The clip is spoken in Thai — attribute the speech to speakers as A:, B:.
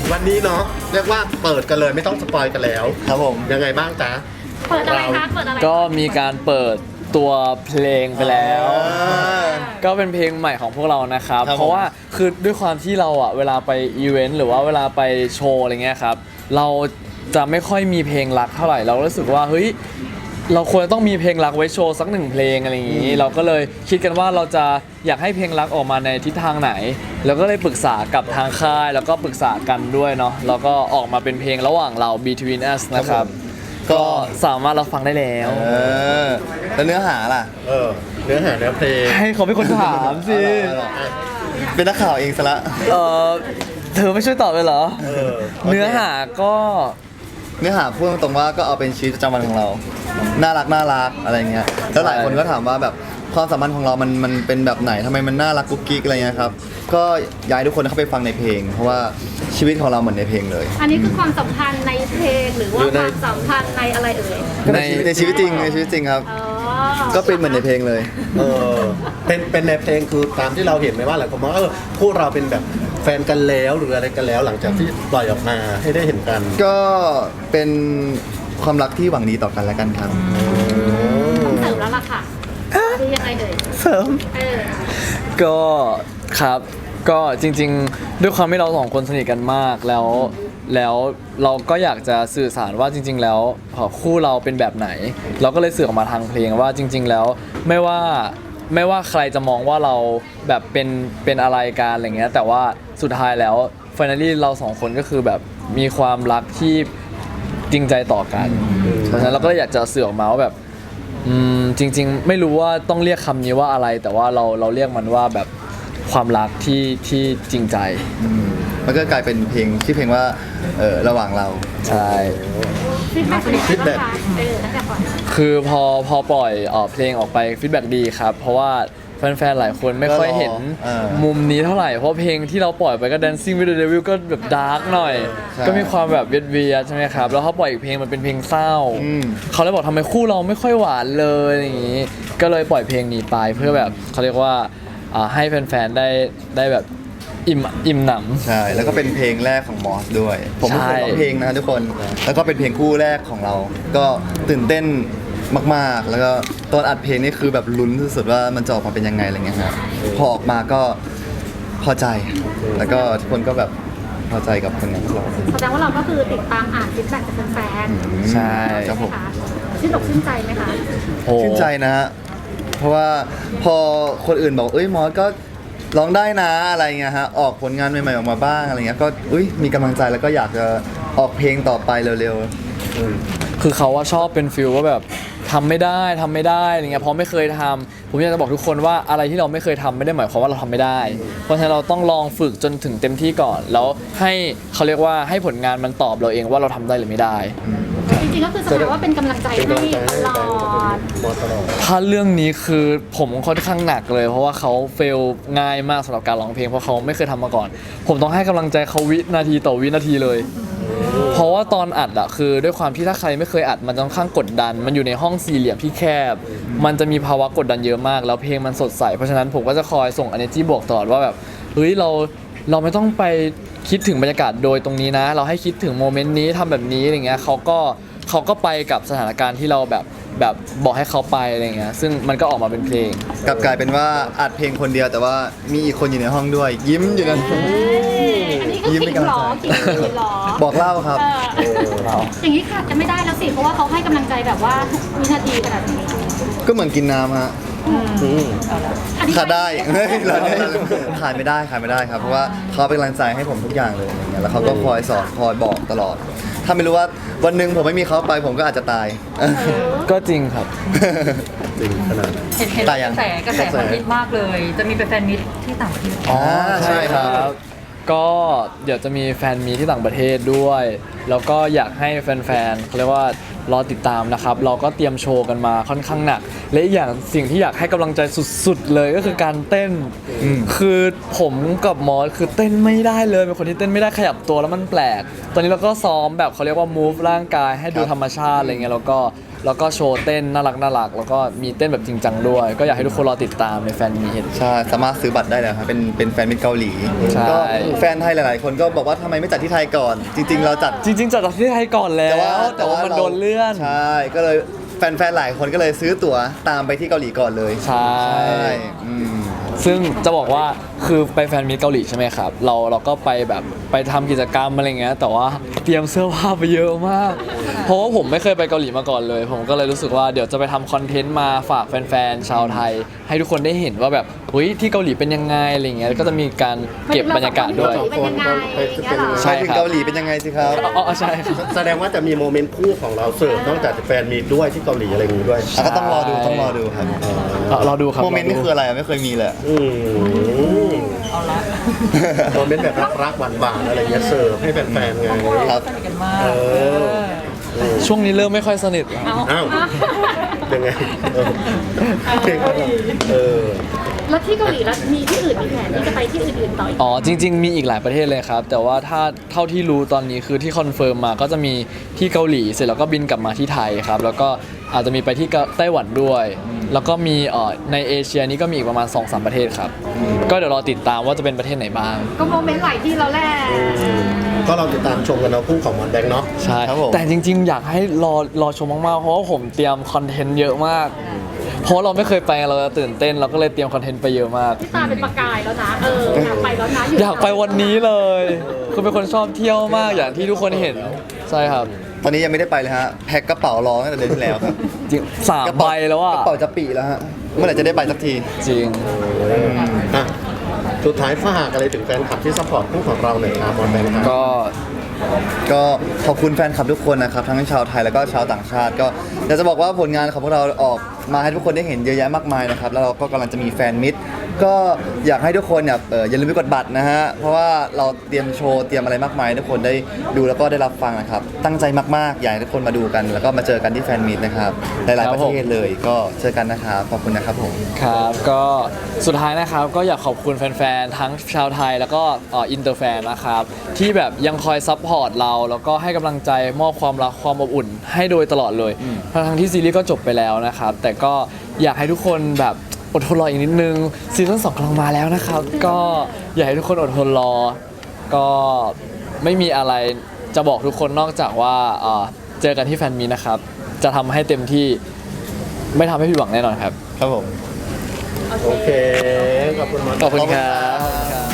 A: วันนี้เนาะเรียกว่าเปิดกันเลยไม่ต้องสปอยกันแล้ว
B: ครับผม
A: ยังไงบ้างจ๊ะ
C: เปิดอะไรคะเปิดอะไร
D: ก็มีการเปิดตัวเพลงไปแล้ว ก็เป็นเพลงใหม่ของพวกเรานะครับ
B: ครับผม
D: เพราะว่าคือด้วยความที่เราอ่ะเวลาไปอีเวนต์หรือว่าเวลาไปโชว์อะไรเงี้ยครับเราจะไม่ค่อยมีเพลงรักเท่าไหร่เรารู้สึกว่าเฮ้ยเราควรจะต้องมีเพลงรักไว้โชว์สักหนึ่งเพลงอะไรอย่างนี้เราก็เลยคิดกันว่าเราจะอยากให้เพลงรักออกมาในทิศทางไหน แล้วก็เลยปรึกษากับทางค่ายแล้วก็ปรึกษากันด้วยเนาะแล้วก็ออกมาเป็นเพลงระหว่างเรา Between Us นะครับ ก็สามารถรับฟังได้แล้ว
B: แล้วเนื้อหาล่ะ
A: เนื้อหาเนื้อเพลง
D: ให้เขาเป็นคนถามสิ
B: เป็นนักข่าวเองซะละ
D: เออเธอไม่ช่วยตอบเลยเหรอ เนื้อหาก็
B: เนื้อหาพูดตรงๆว่าก็เอาเป็นชีวิตประจำวันของเรา น่ารักอะไรเงี้ย แล้วหลายคนก็ถามว่าแบบความสัมพันธ์ของเรามันเป็นแบบไหนทำไมมันน่ารักกุ๊กกิ๊กอะไรเงี้ยครับ ก็อยากให้ทุกคนเข้าไปฟังในเพลง เพราะว่าชีวิตของเราเหมือนในเพลงเลย
C: อันนี้คือความสัมพันธ์ในเพลงหรือว่า
A: หรือ
C: ค
A: ใน
C: วามสัมพันธ์ในอะไรเอ่ย
B: ในชีวิตจริงครับ
C: อ๋อ
B: ก็เป็นเหมือนในเพลงเลย
A: เออเป็นในเพลงคือตามที่เราเห็นไหมว่าหลายคนมองว่าพวกเราเป็นแบบแฟนกันแล้วหรืออะไรกันแล้วหลังจากที่ปล่อยออกมาให้ได้เห็นกัน
B: ก็เป็นความรักที่หวังดีต่อกันและกันครับ
C: ต้องเสริมแล้วล่ะค่ะคือยังไงเอ่ย
D: เสริม
C: เออ
D: ก็ครับก็จริงๆ ด้วยความที่เราสองคนสนิทกันมากแล้วเราก็อยากจะสื่อสารว่าจริง ๆ แล้วคู่เราเป็นแบบไหน เราก็เลยสื่อออกมาทางเพลงว่าจริง ๆ แล้วไม่ว่าใครจะมองว่าเราแบบเป็นอะไรกันอะไรเงี้ยแต่ว่าสุดท้ายแล้ว finally เราสองคนก็คือแบบมีความรักที่จริงใจต่อกันเพราะฉะนั้นเราก็เลยอยากจะสื่อออกมาว่าแบบจริงๆไม่รู้ว่าต้องเรียกคำนี้ว่าอะไร แต่ว่าเราเรียกมันว่าแบบความรักที่จริงใจ
B: มันก็กลายเป็นเพลงชื่อเพลงว่าระหว่างเรา
D: ใช่
C: ฟีดแบ็กเป็นยังไงบ้างคะตั้งแต่ก่อน
D: คือพอปล่อยเพลงออกไปฟีดแบ็กดีครับ เพราะว่าแฟนๆหลายคนไม่ค่อยเห็น มุมนี้เท่าไหร่เพราะเพลงที่เราปล่อยไปก็ Dancing with the Devil ก็แบบดาร์กหน่อย ก็มีความแบบเวียดๆใช่ไหมครับแล้วเขาปล่อยอีกเพลงมันเป็นเพลงเศร้า เขาเลยบอกทำไมคู่เราไม่ค่อยหวานเลยอย่างนี้ ก็เลยปล่อยเพลงนี้ไปเพื่อแบบเขาเรียกว่าให้แฟนๆได้แบบอิ่มหนำ
B: ใช่ แล้วก็เป็นเพลงแรกของมอสด้วย ผมไม่เคยร้องเพลงนะทุกคน แล้วก็เป็นเพลงคู่แรกของเรา ก็ตื่นเต้นมากๆ แล้วก็ตอนอัดเพลงนี่คือแบบลุ้นสุดๆว่ามันจะออกมาเป็นยังไงอะไรเงี้ยครับพอออกมาก็พอใจ แล้วก็ทุกคนก็แบบพอใจกับผลงานของเรา
C: แสดงว่าเราก็คือติดตามอ่านฟีดแบ็กจากแฟนๆ
D: ใช่
B: ครับผม
C: ไหคะชื่นอกชื่นใจไหมคะ
D: โอ้
B: ชื่นใจนะฮะ เพราะว่าพอคนอื่นบอกเอ้ยมอสก็ร้องได้นะอะไรเงี้ยฮะ ออกผลงานใหม่ๆออกมาบ้างอะไรเงี้ย ก็มีกำลังใจแล้วก็อยากจะออกเพลงต่อไปเร็วๆ
D: คือเขาว่าชอบเป็นฟิลว่าแบบทำไม่ได้อะไรเงี้ยเพราะไม่เคยทำผมอยากจะบอกทุกคนว่าอะไรที่เราไม่เคยทำไม่ได้หมายความว่าเราทำไม่ได้ เพราะฉะนั้นเราต้องลองฝึกจนถึงเต็มที่ก่อน แล้วให้เขาเรียกว่าให้ผลงานมันตอบเราเองว่าเราทำได้หรือไม่ได้
C: จริงๆก็คือแสดงว่าเป็นกำลังใจให้ตลอด
A: มอตลอด
D: ถ้าเรื่องนี้คือผมค่อนข้างหนักเลย เพราะว่าเขาเฟลง่ายมากสำหรับการร้องเพลงเพราะเขาไม่เคยทำมาก่อน ผมต้องให้กำลังใจเขาวินาทีต่อวินาทีเลย เพราะว่าตอนอัดอะคือด้วยความที่ถ้าใครไม่เคยอัดมันจะค่อนข้างกดดัน มันอยู่ในห้องสี่เหลี่ยมที่แคบ มันจะมีภาวะกดดันเยอะมาก แล้วเพลงมันสดใสเพราะฉะนั้นผมก็จะคอยส่ง energy บวกตลอดว่าแบบเฮ้ยเราไม่ต้องไปคิดถึงบรรยากาศโดยตรงนี้นะ เราให้คิดถึงโมเมนต์นี้ทำแบบนี้อะไรเงี้ยเขาก็ไปกับสถานการณ์ที่เราแบบบอกให้เขาไปอะไรเงี้ยซึ่งมันก็ออกมาเป็นเพลง
B: กลับกลายเป็นว่าอัดเพลงคนเดียวแต่ว่ามีอีกคนอยู่ในห้องด้วย ยิ้มอยู่นั้น
C: อันนี้ก็
B: ยิ้ม
C: ขิ
B: เป็น
C: ง
B: กำลั
C: ห
B: ง
C: รอ
B: ใจ
C: ขิงหรอ
B: บอกเล่าครับ
C: อย่างนี้ขาดกันไม่ได้แล้วสิ เพราะว่าเขาให้กำลังใจแบบว่าทุกวินาทีขนาดนี้
B: ก็เหมือนกินน้ำฮะ
C: อันนี้
B: ขาดได้ เฮ้ยเราขาดไม่ได้ครับ เพราะว่าเขาเป็นกำลังใจให้ผมทุกอย่างเลยอย่างเงี้ยแล้วเขาก็คอยสอนคอยบอกตลอด ถ้าไม่รู้ว่าวันหนึ่งผมไม่มีเขาไปผมก็อาจจะตาย
D: ก็จริงครับ
A: จริงขนาด
E: เห็น
B: แต่ยัง
E: กระแสคนฮิตมากเลย จะมีเป็นแฟนมิตรที่ต่างประเทศ
B: อ๋อใช่ครับ
D: ก็เดี๋ยวจะมีแฟนมีที่ต่างประเทศด้วย แล้วก็อยากให้แฟนๆเขาเรียกว่ารอติดตามนะครับ เราก็เตรียมโชว์กันมาค่อนข้างหนัก และอีกอย่างสิ่งที่อยากให้กำลังใจสุดๆเลยก็คือการเต้น คือผมกับมอสคือเต้นไม่ได้เลยเป็นคนที่เต้นไม่ได้ขยับตัวแล้วมันแปลก ตอนนี้เราก็ซ้อมแบบเขาเรียกว่า move ร่างกายให้ดูธรรมชาติอะไรเงี้ยแล้วก็แล้วก็โชว์เต้นน่ารักแล้วก็มีเต้นแบบจริงจังด้วย ก็อยากให้ทุกคนรอติดตามในแฟนมีต
B: ใช่สามารถซื้อบัตรได้แล้วครับเป็นแฟนมิตรเกาหลี
D: ใช่
B: ก็แฟนไทยหลายๆ คนก็บอกว่าทำไมไม่จัดที่ไทยก่อน จริง ๆ เราจัด
D: จริงๆจัดที่ไทยก่อนแล้วแต่ว่ามันโดนเลื่อน
B: ใช่ก็เลยแฟนๆหลายคนก็เลยซื้อตั๋วตามไปที่เกาหลีก่อนเลย
D: ใช่
B: อืม
D: ซึ่งจะบอกว่าคือไปแฟนมีตเกาหลีใช่ไหมครับเราก็ไปแบบไปทำกิจกรรมอะไรเงี้ยแต่ว่าเตรียมเสื้อผ้าไปเยอะมาก เพราะว่าผมไม่เคยไปเกาหลีมาก่อนเลย ผมก็เลยรู้สึกว่าเดี๋ยวจะไปทำคอนเทนต์มาฝากแฟนๆชาวไทย ให้ทุกคนได้เห็นว่าแบบเฮ้ยที่เกาหลีเป็นยังไงอะไรเงี้ยแล้วก็จะมีการเก็บบรรยากาศด้วย
C: เป็นยังไงอย่างเงี้ยเหรอ
D: ใช่
B: ถึง
D: ครับ
B: เกาหลีเป็นยังไงสิครับ
D: อ๋อใช่ครับ
A: แสดงว่าจะมีโมเมนต์คู่ของเราเสิร์ฟนอกจากแฟนมีด้วยที่เกาหลีอะไรอย่างงี้ด้วย
B: ก็ต้องรอดูครับ
D: รอดูครับ
B: โมเมนต์นี่คืออะไรไม่เคยมีเลย
A: อืมโมเมนต์แบบรักๆหวานๆอะไรเงี้ยเสิร์ฟให้แฟนๆไง
B: ครับ
E: สนิทกันมาก
A: เออ
D: ช่วงนี้เริ่มไม่ค่อยสนิทแล้ว
A: อ้าวยังไงเพลงเออ
C: แล้วที่เกาหลีแล้วมีที่อื่นมีแผนที่จะไปที่อื่นๆต่ออีก
D: อ๋อจริง ๆ มีอีกหลายประเทศเลยครับ แต่ว่าถ้าเท่าที่รู้ตอนนี้คือที่คอนเฟิร์มมาก็จะมีที่เกาหลีเสร็จแล้วก็บินกลับมาที่ไทยครับแล้วก็อาจจะมีไปที่ไต้หวันด้วย แล้วก็มีในเอเชียนี้ก็มีอีกประมาณ 2-3 ประเทศครับ ก็เดี๋ยวรอติดตามว่าจะเป็นประเทศไหนบ้าง
C: ก็โมเมนต์หลายที่แล้วแหละ
A: ก็เราติดตามชมกันเอาคู่ของมอนแบงค์เนาะ
D: ใช่
B: ครับผม
D: แต่จริง ๆ อยากให้รอชมมากๆ เพราะว่าผมเตรียมคอนเทนต์เยอะมาก เพราะเราไม่เคยไปเราจะตื่นเต้นเราก็เลยเตรียมคอนเทนต์ไปเยอะมาก
C: ตาเป็นประกายแล้วนะอยากไปแล้วนะ
D: อยากไปวันนี้เลยคือเป็นคนชอบเที่ยวมากอย่างที่ทุกคนเห็นใช่ครับ
B: ตอนนี้ยังไม่ได้ไปเลยฮะแพ็คกระเป๋ารอตั้งแต่เดือนที่แล้วครับ
D: จริง3 ใบแล้วอ่ะ
B: กระเป๋าจะปีแล้วฮะเมื่อไหร่จะได้ไปสักที
D: จริง
A: อ่ะสุดท้ายฝากอะไรถึงแฟนคลับที่ซัพพอร์ตคู่ของเราหน่อยครับมอนแบงค์ครับ
B: ก็ขอบคุณแฟนคลับทุกคนนะครับทั้งชาวไทยแล้วก็ชาวต่างชาติ ก็อยากจะบอกว่าผลงานของพวกเราออกมาให้ทุกคนได้เห็นเยอะแยะมากมายนะครับแล้วเราก็กำลังจะมีแฟนมิตรก็อยากให้ทุกคนเนี่ยอย่าลืมไปกดบัตรนะฮะเพราะว่าเราเตรียมโชว์เตรียมอะไรมากมายให้ทุกคนได้ดูแล้วก็ได้รับฟังนะครับตั้งใจมากๆอยากให้ทุกคนมาดูกัน แล้วก็มาเจอกันที่แฟนมิตรนะครับหลายๆประเทศเลยก็เจอกันนะครับขอบคุณนะครับผม
D: ครับก็สุดท้ายนะครับก็อยากขอบคุณแฟนๆทั้งชาวไทยแล้วก็อินเตอร์แฟนนะครับที่แบบยังคอยซัพพอร์ตเราแล้วก็ให้กำลังใจมอบความรักความอบอุ่นให้โดยตลอดเลยทั้งที่ซีรีส์ก็จบไปแล้วนะครับแต่ก็อยากให้ทุกคนแบบอดทนรออีกนิดนึงซีซั่น2กำลังมาแล้วนะครับก็อยากให้ทุกคนอดทนรอก็ไม่มีอะไรจะบอกทุกคนนอกจากว่าเจอกันที่แฟนมีตนะครับจะทำให้เต็มที่ไม่ทำให้ผิดหวังแน่นอนครับ
B: ครับผม
A: โอเค ขอบคุณมอน
D: ขอบคุณครับ